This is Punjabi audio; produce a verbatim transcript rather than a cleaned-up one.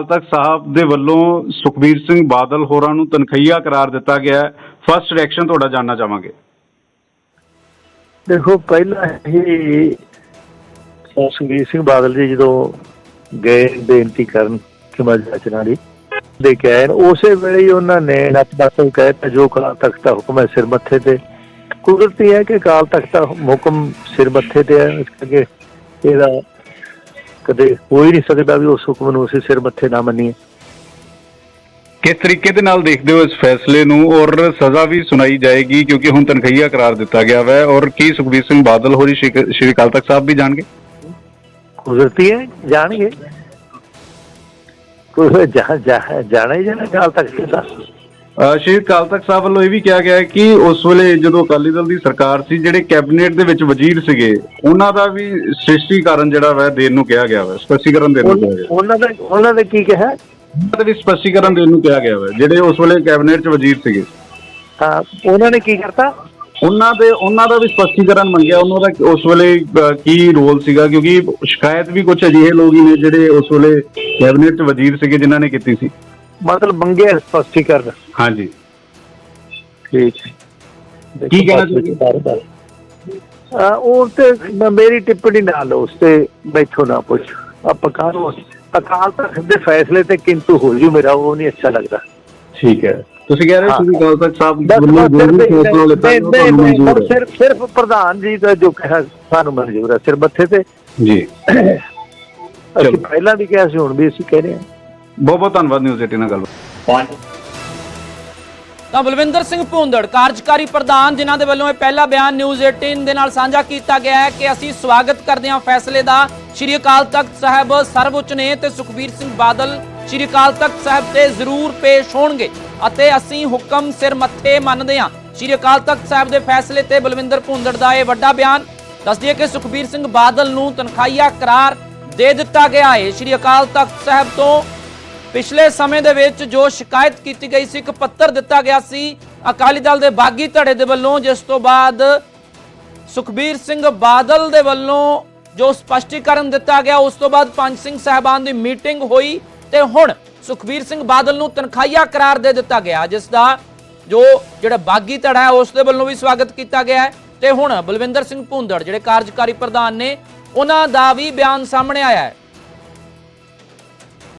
तख्त साहब दे वल्लों सुखबीर सिंह बादल होरां नूं तनखईया करार दिता गया है। फर्स्ट रिएक्शन तुहाडा जानना चाहांगे। देखो पहला ही सुखबीर सिंह बादल जी जो गए बेनती करन हिमाचल रचना दी दे के आए उस वेले ही उन्होंने नतमस्तक कहता जो अकाल तख्त का हुक्म है सिर मत्थे ते। कुदरती है कि अकाल तख्त का हुक्म सिर मत्थे ते है, इस करके ਇਹਦਾ कदे हो ही नहीं सकता भी उस हुक्म ਨੂੰ ਅਸੀਂ सिर मत्थे ना मनीए। किस तरीके दे नाल देखदे हो इस फैसले नूं और सज़ा भी सुनाई जाएगी क्योंकि हुण तनखईया करार दिता गया है और की सुखबीर सिंह बादल होरी श्री अकाल तख्त साहब भी जाणगे? कुदरती है जाणगे, जा, जा, जाना ही जाना अकाल तख्त साहब। श्री अकाल तख्त साहब ਵੱਲੋਂ ਇਹ ਵੀ ਕਿਹਾ ਗਿਆ ਹੈ ਕਿ ਉਸ ਵੇਲੇ ਜਦੋਂ ਅਕਾਲੀ ਦਲ ਦੀ ਸਰਕਾਰ ਸੀ ਜਿਹੜੇ ਕੈਬਨਿਟ ਦੇ ਵਿੱਚ ਵਜ਼ੀਰ ਸੀਗੇ ਉਹਨਾਂ ਦਾ ਵੀ ਸ੍ਰਿਸ਼ਟੀਕਰਨ ਜਿਹੜਾ ਵਾ ਦੇਣ ਨੂੰ ਕਿਹਾ ਗਿਆ ਵਾ, ਸਪਸ਼ਟੀਕਰਨ ਦੇਣ ਨੂੰ ਕਿਹਾ ਗਿਆ। ਉਹਨਾਂ ਦਾ ਉਹਨਾਂ ਨੇ ਕੀ ਕਿਹਾ? ਉਹਨਾਂ ਦਾ ਵੀ ਸਪਸ਼ਟੀਕਰਨ ਦੇਣ ਨੂੰ ਕਿਹਾ ਗਿਆ ਵਾ ਜਿਹੜੇ ਉਸ ਵੇਲੇ ਕੈਬਨਿਟ 'ਚ ਵਜ਼ੀਰ ਸੀਗੇ। ਹਾਂ ਉਹਨਾਂ ਨੇ ਕੀ ਕਰਤਾ? ਉਹਨਾਂ ਦੇ ਉਹਨਾਂ ਦਾ ਵੀ ਸਪਸ਼ਟੀਕਰਨ ਮੰਗਿਆ ਉਹਨਾਂ ਦਾ ਉਸ ਵੇਲੇ ਕੀ ਰੋਲ ਸੀਗਾ ਕਿਉਂਕਿ ਸ਼ਿਕਾਇਤ ਵੀ ਕੁਝ ਅਜਿਹੇ ਲੋਕ ਹੀ ਨੇ ਜਿਹੜੇ ਉਸ ਵੇਲੇ ਕੈਬਨਿਟ 'ਚ ਵਜ਼ੀਰ ਸੀਗੇ ਜਿਨ੍ਹਾਂ ਨੇ ਕੀਤੀ ਸੀ। मतलब मंगे स्पष्टीकरण। हाँ जी ठीक है। की कहना चाहिए मेरी टिप्पणी ना लो उस ते बैठो ना पुछ आप अकाल तख्त दे फैसले ते किंतु हो जू मेरा वो नहीं अच्छा लगता। ठीक है ਤੁਸੀਂ ਕਹਿ ਰਹੇ ਹੋ ਅਕਾਲ ਤਖਤ ਸਾਹਿਬ सिर्फ सिर्फ प्रधान जी का जो कहा सानू मंजूर है सिर मत्थे ते जी। ਅਸੀਂ ਪਹਿਲਾਂ ਵੀ ਕਿਹਾ ਸੀ ਹੁਣ ਵੀ ਅਸੀਂ ਕਹਿ ਰਹੇ ਹਾਂ। बहुत बहुत धन्यवाद न्यूज़ एटीन नाल गल। ਤਾਂ ਬਲਵਿੰਦਰ ਸਿੰਘ ਭੂੰਦੜ ਕਾਰਜਕਾਰੀ ਪ੍ਰਧਾਨ ਜਿਨ੍ਹਾਂ ਦੇ ਵੱਲੋਂ ਇਹ ਪਹਿਲਾ ਬਿਆਨ ਨਿਊਜ਼ ਅਠਾਰਾਂ ਦੇ ਨਾਲ ਸਾਂਝਾ ਕੀਤਾ ਗਿਆ ਹੈ ਕਿ ਅਸੀਂ ਸਵਾਗਤ ਕਰਦੇ ਹਾਂ ਫੈਸਲੇ ਦਾ। ਸ਼੍ਰੀ ਅਕਾਲ ਤਖਤ ਸਾਹਿਬ ਸਰਵਉੱਚ ਨੇ ਤੇ ਸੁਖਬੀਰ ਸਿੰਘ ਬਾਦਲ ਸ਼੍ਰੀ ਅਕਾਲ ਤਖਤ ਸਾਹਿਬ ਤੇ ਜ਼ਰੂਰ ਪੇਸ਼ ਹੋਣਗੇ ਅਤੇ ਅਸੀਂ ਹੁਕਮ ਸਿਰ ਮੱਥੇ ਮੰਨਦੇ ਹਾਂ। ਸ਼੍ਰੀ ਅਕਾਲ ਤਖਤ ਸਾਹਿਬ ਦੇ ਫੈਸਲੇ ਤੇ ਬਲਵਿੰਦਰ ਭੂੰਦੜ ਦਾ ਇਹ ਵੱਡਾ ਬਿਆਨ। ਦੱਸ ਦਈਏ ਕਿ ਸੁਖਬੀਰ ਸਿੰਘ ਬਾਦਲ ਨੂੰ ਤਨਖਾਹੀਆ ਕਰਾਰ ਦੇ ਦਿੱਤਾ ਗਿਆ ਹੈ। ਸ਼੍ਰੀ ਅਕਾਲ ਤਖਤ ਸਾਹਿਬ ਤੋਂ ਪਿਛਲੇ ਸਮੇਂ ਦੇ ਵਿੱਚ ਜੋ ਸ਼ਿਕਾਇਤ ਕੀਤੀ ਗਈ ਸੀ, ਇੱਕ ਪੱਤਰ ਦਿੱਤਾ ਗਿਆ ਸੀ ਅਕਾਲੀ ਦਲ ਦੇ ਬਾਗੀ ਧੜੇ ਦੇ ਵੱਲੋਂ, ਜਿਸ ਤੋਂ ਬਾਅਦ ਸੁਖਬੀਰ ਸਿੰਘ ਬਾਦਲ ਦੇ ਵੱਲੋਂ ਜੋ ਸਪਸ਼ਟੀਕਰਨ ਦਿੱਤਾ ਗਿਆ, ਉਸ ਤੋਂ ਬਾਅਦ ਪੰਜ ਸਿੰਘ ਸਾਹਿਬਾਨ ਦੀ ਮੀਟਿੰਗ ਹੋਈ ਤੇ ਹੁਣ ਸੁਖਬੀਰ ਸਿੰਘ ਬਾਦਲ ਨੂੰ ਤਨਖਾਹੀਆ ਕਰਾਰ ਦੇ ਦਿੱਤਾ ਗਿਆ, ਜਿਸ ਦਾ ਜੋ ਜਿਹੜਾ ਬਾਗੀ ਧੜਾ ਹੈ ਉਸ ਦੇ ਵੱਲੋਂ ਵੀ ਸਵਾਗਤ ਕੀਤਾ ਗਿਆ ਹੈ। ਤੇ ਹੁਣ ਬਲਵਿੰਦਰ ਸਿੰਘ ਭੂੰਦੜ ਜਿਹੜੇ ਕਾਰਜਕਾਰੀ ਪ੍ਰਧਾਨ ਨੇ ਉਹਨਾਂ ਦਾ ਵੀ ਬਿਆਨ ਸਾਹਮਣੇ ਆਇਆ ਹੈ।